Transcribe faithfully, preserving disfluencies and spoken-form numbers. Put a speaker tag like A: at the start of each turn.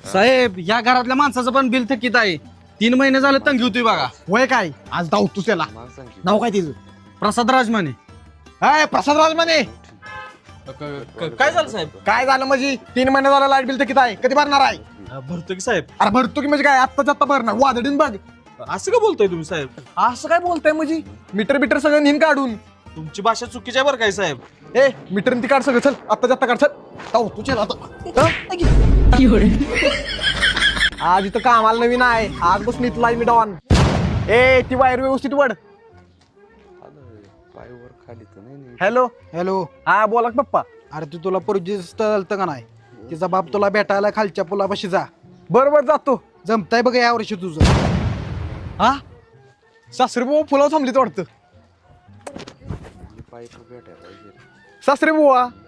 A: साहेब या घरातल्या माणसाचं पण बिल थकीत आहे. तीन महिने झाले तंगी होती बघा.
B: वय काय आज धावतोस त्याला नाव काय तिचं
A: प्रसाद राजमाने.
B: हाय प्रसाद राजमाने.
A: काय झालं साहेब?
B: काय झालं म्हणजे तीन महिने झालं लाईट बिल तर किती आहे कधी भरणार आहे?
A: भरतो की साहेब.
B: अरे भरतो की म्हणजे काय आत्ताच आत्ता भरणार वादळीन बघ.
A: असं का बोलतोय तुम्ही साहेब?
B: असं काय बोलताय म्हणजे मीटर बिटर सगळं नेहमी काढून.
A: तुमची भाषा चुकीची आहे बरं काय साहेब.
B: ए मीटर ती काढ सगळं चल आत्ताच आत्ता काढ चल. धावतो चल आता हं? आज इथं कामाला नवीन आहे आज बसून इथला मी डॉन. ए ती वायर व्यवस्थित वड. Hello
C: hello.
B: हा बोला की पप्पा.
C: अरे तू तुला पोरगी चालतं का नाही? तिचा बाप तुला भेटायला खालच्या पुलापाशी जा.
B: बरोबर जातो.
C: जमताय बघ या वर्षी तुझं.
B: हा सासरे बुवा फुलावर थांबलीत वाटतं. सासरे बुवा